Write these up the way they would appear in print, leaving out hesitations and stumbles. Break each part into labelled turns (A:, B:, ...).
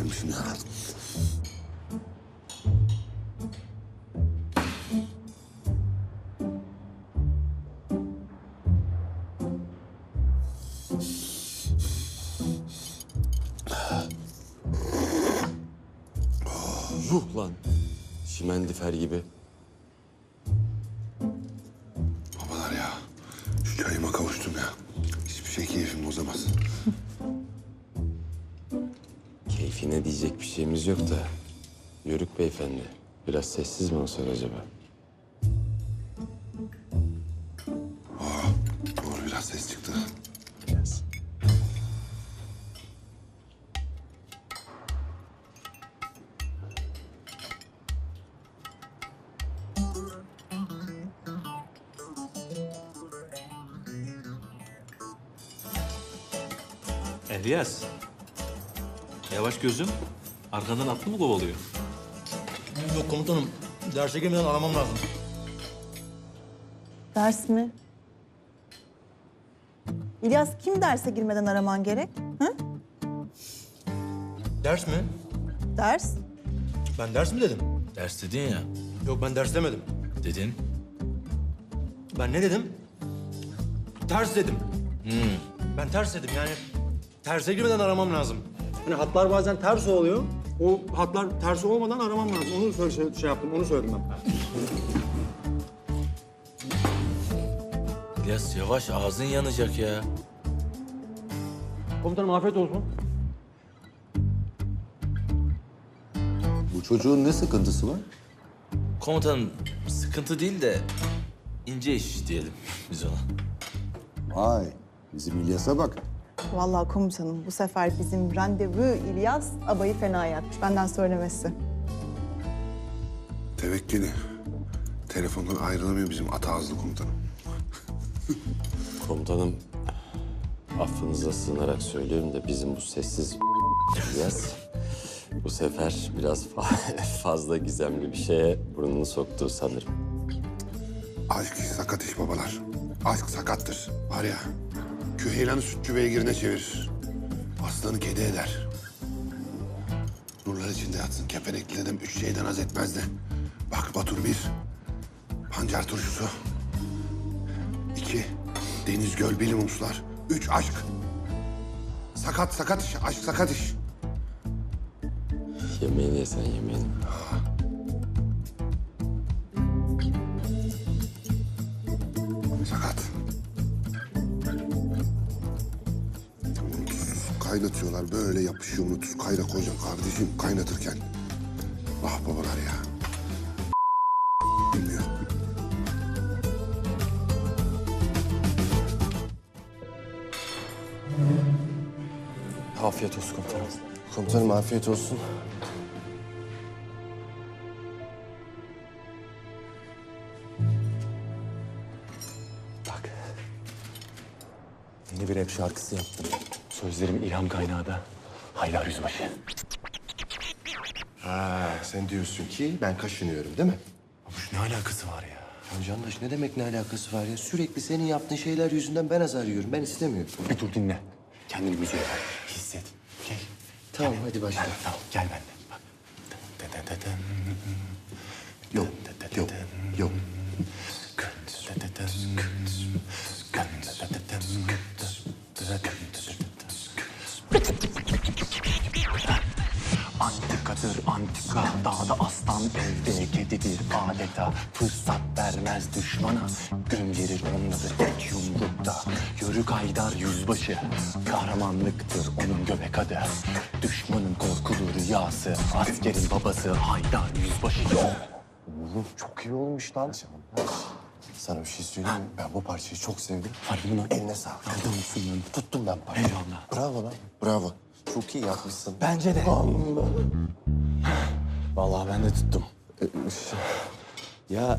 A: gelmişim ya.
B: Yuh lan. Şimendifer gibi.
A: Babalar ya, şu çayıma kavuştum ya. Hiçbir şey keyfim bozamaz.
B: Keyfine diyecek bir şeyimiz yok da. Yörük beyefendi. Biraz sessiz mi olsak acaba?
A: Doğru, biraz ses çıktı.
B: Biraz.
C: İlyas. Yavaş gözüm. Arkandan atlı mı kovalıyor?
D: Yok komutanım. Derse girmeden aramam lazım.
E: Ders mi? İlyas, kim derse girmeden araman gerek? Hı?
D: Ders mi?
E: Ders?
D: Ben ders mi dedim?
C: Ders dedin ya.
D: Yok ben ders demedim.
C: Dedin.
D: Ben ne dedim? Ters dedim. Ben ters dedim yani. Terse girmeden aramam lazım. Hani hatlar bazen ters oluyor. O hatlar ters olmadan aramam lazım. Onu şey yaptım, onu söyledim ben.
C: İlyas yavaş ağzın yanacak ya.
D: Komutanım afiyet olsun.
A: Bu çocuğun ne sıkıntısı var?
C: Komutanım sıkıntı değil de ince iş diyelim biz ona.
A: Vay, bizim İlyas'a bak.
E: Vallahi komutanım, bu sefer bizim randevu İlyas abayı fena yatmış. Benden söylemesi.
A: Tevekkili. Telefondan ayrılamıyor bizim ata ağızlı komutanım.
B: Komutanım, affınıza sığınarak söylüyorum da bizim bu sessiz İlyas bu sefer biraz fazla gizemli bir şeye burnunu soktu sanırım.
A: Aşk sakat iş babalar. Aşk sakattır. Var ya, küheylanı sütçü beygirine çevirir. Aslanı kedi eder. Nurlar içinde yatsın kepenekli dedem 3 şeyden haz etmezdi. Bak Batur 1, pancar turşusu. 2, deniz göl bilimumslar. 3, aşk. Sakat iş, aşk sakat iş.
B: Yemeğini yesen yemeğini.
A: Sakat. Tuz kaynatıyorlar, böyle yapışıyor onu. Tuz kaynak hocam kardeşim kaynatırken. Ah babalar ya. Bilmiyor.
B: Afiyet olsun komutanım. Komutanım afiyet olsun.
F: Bak. Yeni bir rap şarkısı yaptım. Sözlerim ilham kaynağı da Haydar Yüzbaşı.
G: Ha, sen diyorsun ki ben kaşınıyorum değil mi?
F: Babuş ne alakası var ya?
G: Ya Candaş ne demek ne alakası var ya? Sürekli senin yaptığın şeyler yüzünden ben azar yiyorum. Ben istemiyorum.
F: Bir dur dinle. Kendini müziğe ver. Hisset. Gel.
G: Tamam hadi başla.
F: Gel, tamam gel benimle. Bak.
G: Yok, yok, yok.
F: Antikadır antika, dağda aslan, evde kedidir adeta. Fırsat vermez düşmana, gün gelir onları tek yumrukta. Yörük Haydar Yüzbaşı, kahramanlıktır onun göbek adı. Düşmanın korkulu rüyası, askerin babası Haydar Yüzbaşı.
G: Oğlum çok iyi olmuş lan. Sana bir şey söyleyeyim mi? Ben bu parçayı çok sevdim.
F: Harbi mi lan?
G: Eline sağlık.
F: Adamsın lan.
G: Tuttum ben parçayı.
F: Eyvallah.
G: Bravo lan. Bravo. Çok iyi yapmışsın.
F: Bence de. Vallahi ben de tuttum. Ya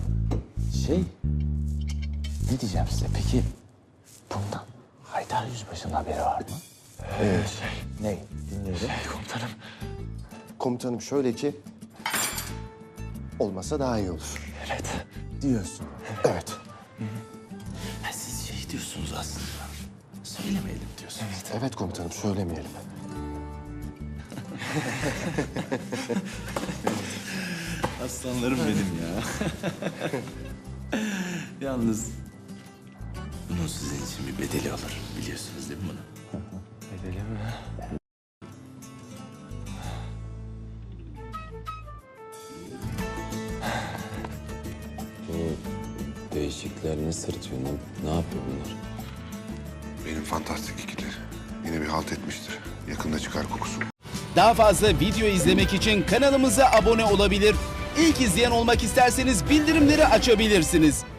F: ne diyeceğim size peki bundan Haydar Yüzbaşı'nın haberi var mı?
G: Evet.
F: Ne? Dinliyorum. Komutanım.
G: Komutanım şöyle ki... olmasa daha iyi olur.
F: Evet.
G: Diyorsun. Evet.
C: Ha, siz şey diyorsunuz aslında. Söylemeyelim diyorsunuz.
G: Evet komutanım söylemeyelim.
C: Aslanlarım benim ya. Yalnız bunun sizin için bir bedeli olur. Biliyorsunuz değil mi bunu?
F: Bedeli mi?
B: Değişikler ne sırıtıyor? Ne yapıyor bunlar?
A: Benim fantastik ikili. Yine bir halt etmiştir. Yakında çıkar kokusu.
H: Daha fazla video izlemek için kanalımıza abone olabilir. İlk izleyen olmak isterseniz bildirimleri açabilirsiniz.